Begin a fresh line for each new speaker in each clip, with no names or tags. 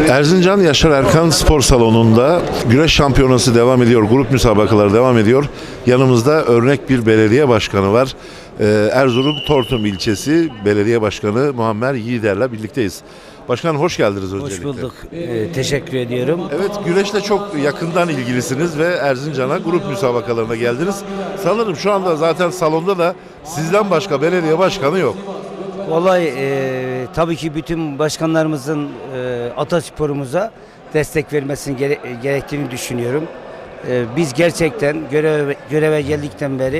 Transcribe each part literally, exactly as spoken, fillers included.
Erzincan Yaşar Erkan Spor Salonu'nda güreş şampiyonası devam ediyor. Grup müsabakaları devam ediyor. Yanımızda örnek bir belediye başkanı var. Ee, Erzurum Tortum ilçesi belediye başkanı Muammer Yiğider'le birlikteyiz. Başkanım hoş geldiniz öncelikle.
Hoş bulduk. Ee, teşekkür ediyorum.
Evet, güreşle çok yakından ilgilisiniz ve Erzincan'a grup müsabakalarına geldiniz. Sanırım şu anda zaten salonda da sizden başka belediye başkanı yok.
Olay e, tabii ki bütün başkanlarımızın e, atasporumuza destek vermesini gere gerektiğini düşünüyorum. E, biz gerçekten görev, göreve geldikten beri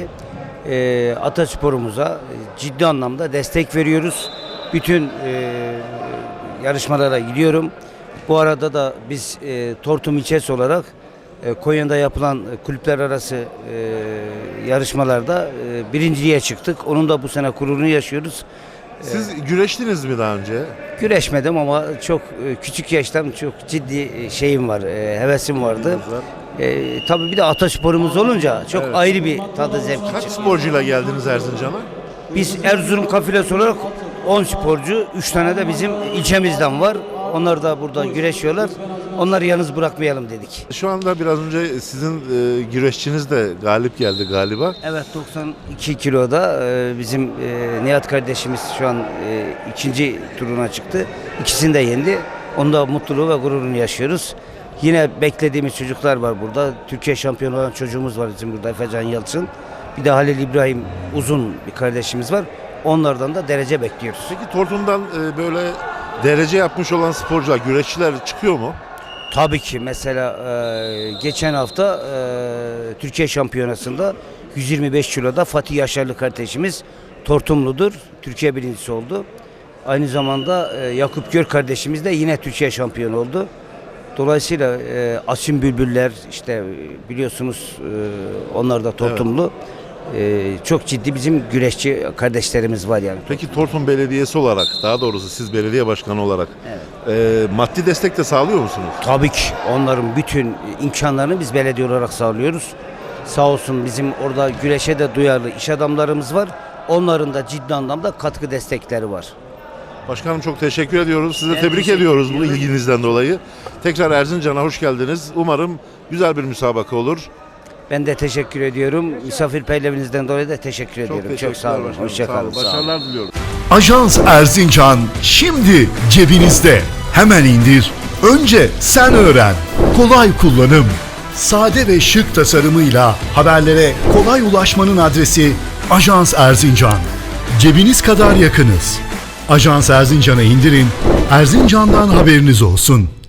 e, atasporumuza ciddi anlamda destek veriyoruz. Bütün e, yarışmalara gidiyorum. Bu arada da biz e, Tortum ilçesi olarak e, Konya'da yapılan kulüpler arası e, yarışmalarda e, birinciliğe çıktık. Onun da bu sene gururunu yaşıyoruz.
Siz güreştiniz mi daha önce?
Güreşmedim ama çok e, küçük yaştan çok ciddi e, şeyim var, e, hevesim vardı. E, tabii bir de atasporumuz olunca çok
Evet.
ayrı bir tadı zevki
Kaç
çıkıyor.
sporcuyla geldiniz Erzincan'a?
Biz Erzurum kafilesi olarak on sporcu, üç tane de bizim ilçemizden var. Onlar da burada güreşiyorlar. Onları yalnız bırakmayalım dedik.
Şu anda biraz önce sizin e, güreşçiniz de galip geldi galiba.
Evet, doksan iki kiloda e, bizim e, Nihat kardeşimiz şu an e, ikinci turuna çıktı. İkisini de yendi. Onda mutluluğu ve gururunu yaşıyoruz. Yine beklediğimiz çocuklar var burada. Türkiye şampiyonu olan çocuğumuz var bizim burada, Efecan Yalçın. Bir de Halil İbrahim Uzun bir kardeşimiz var. Onlardan da derece bekliyoruz.
Peki Tortum'dan e, böyle derece yapmış olan sporcular, güreşçiler çıkıyor mu?
Tabii ki mesela e, geçen hafta e, Türkiye şampiyonasında yüz yirmi beş kiloda Fatih Yaşarlı kardeşimiz Tortumludur. Türkiye birincisi oldu. Aynı zamanda e, Yakup Gör kardeşimiz de yine Türkiye şampiyonu oldu. Dolayısıyla e, Asim Bülbüller işte e, biliyorsunuz e, onlar da Tortumlu. E, çok ciddi bizim güreşçi kardeşlerimiz var yani.
Peki Tortum Belediyesi olarak, daha doğrusu siz belediye başkanı olarak
Evet.
e, maddi destek de sağlıyor musunuz?
Tabii ki onların bütün imkanlarını biz belediye olarak sağlıyoruz. Sağ olsun bizim orada güreşe de duyarlı iş adamlarımız var. Onların da ciddi anlamda katkı destekleri var.
Başkanım çok teşekkür ediyoruz. Size
Ben
tebrik
teşekkür
ediyoruz bu
ediyorum.
ilginizden dolayı. Tekrar Erzincan'a hoş geldiniz. Umarım güzel bir müsabaka olur.
Ben de teşekkür ediyorum. Misafirperverinizden dolayı da teşekkür ediyorum. Çok
teşekkürler
sağ olun.
başkanım.
Hoşça
Sağ
kalın.
olun.
Sağ olun.
Başarılar diliyorum.
Ajans Erzincan şimdi cebinizde. Hemen indir. Önce sen öğren. Kolay kullanım. Sade ve şık tasarımıyla haberlere kolay ulaşmanın adresi Ajans Erzincan. Cebiniz kadar yakınız. Ajans Erzincan'ı indirin. Erzincan'dan haberiniz olsun.